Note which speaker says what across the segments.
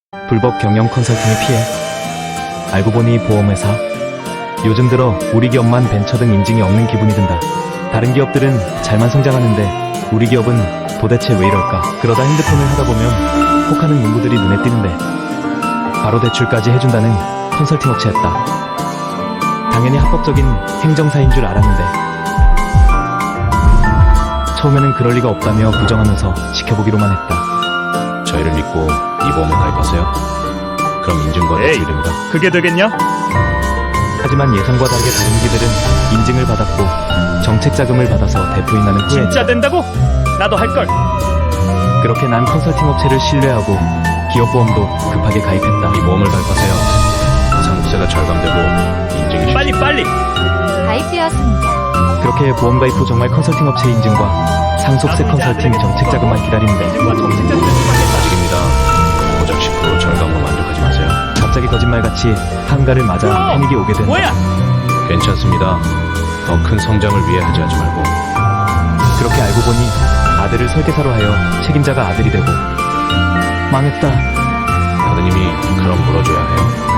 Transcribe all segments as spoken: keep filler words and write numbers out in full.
Speaker 1: 불법 경영 컨설팅의 피해. 알고 보니 보험회사. 요즘 들어 우리 기업만 벤처 등 인증이 없는 기분이 든다. 다른 기업들은 잘만 성장하는데 우리 기업은 도대체 왜 이럴까? 그러다 핸드폰을 하다 보면 혹하는 문구들이 눈에 띄는데 바로 대출까지 해준다는 컨설팅 업체였다. 당연히 합법적인 행정사인 줄 알았는데 처음에는 그럴 리가 없다며 부정하면서 지켜보기로만 했다.
Speaker 2: 저희를 믿고 이 보험에 가입하세요. 그럼 인증과
Speaker 3: 에이,
Speaker 2: 대출이 됩니다.
Speaker 3: 그게 되겠냐?
Speaker 1: 하지만 예상과 다르게 다른 기들은 인증을 받았고 정책 자금을 받아서 대포인하는 후에
Speaker 3: 진짜 된다고? 나도 할걸.
Speaker 1: 그렇게 난 컨설팅 업체를 신뢰하고 기업보험도 급하게 가입했다.
Speaker 2: 이 보험을 가입하세요. 상속세가 절감되고 인증이
Speaker 3: 빨리 빨리.
Speaker 4: 가입되었습니다.
Speaker 1: 그렇게 보험 가입 후 정말 컨설팅 업체 인증과 상속세 컨설팅 정책 자금만 기다리는데
Speaker 3: 인증과 정책 자금을 받겠다.
Speaker 2: 아직입니다. 고작 십 퍼센트 절감으로 만족하지 마세요.
Speaker 1: 갑자기 거짓말같이 한가를 맞아 패닉이 오게 된다.
Speaker 3: 뭐야?
Speaker 2: 괜찮습니다. 더 큰 성장을 위해 하지 하지 말고.
Speaker 1: 그렇게 알고 보니 아들을 설계사로 하여 책임자가 아들이 되고 망했다.
Speaker 2: 아드님이 그럼 물어줘야 해요.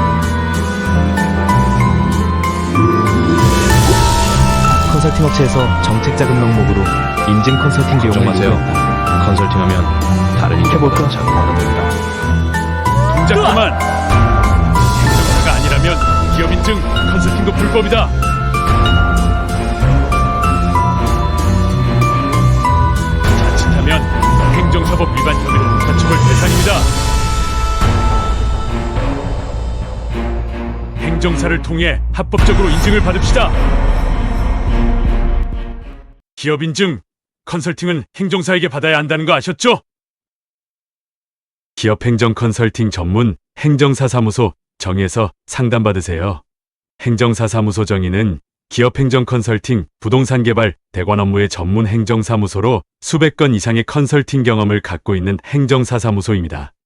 Speaker 1: 컨설팅 업체에서 정책 자금 명목으로 인증 컨설팅
Speaker 2: 걱정
Speaker 1: 비용을
Speaker 2: 마세요.
Speaker 1: 요구했다.
Speaker 2: 컨설팅하면 다른
Speaker 1: 해볼까?
Speaker 2: 인증보다 자금 받아됩니다.
Speaker 3: 동작 그만. 행정사가 아니라면 기업 인증 컨설팅도 불법이다. 자칫하면 행정사법 위반 혐의로 가처벌 대상입니다. 행정사를 통해 합법적으로 인증을 받읍시다. 기업 인증, 컨설팅은 행정사에게 받아야 한다는 거 아셨죠? 기업 행정 컨설팅 전문 행정사 사무소 정의에서 상담받으세요. 행정사 사무소 정의는 기업 행정 컨설팅, 부동산 개발, 대관 업무의 전문 행정사무소로 수백 건 이상의 컨설팅 경험을 갖고 있는 행정사 사무소입니다.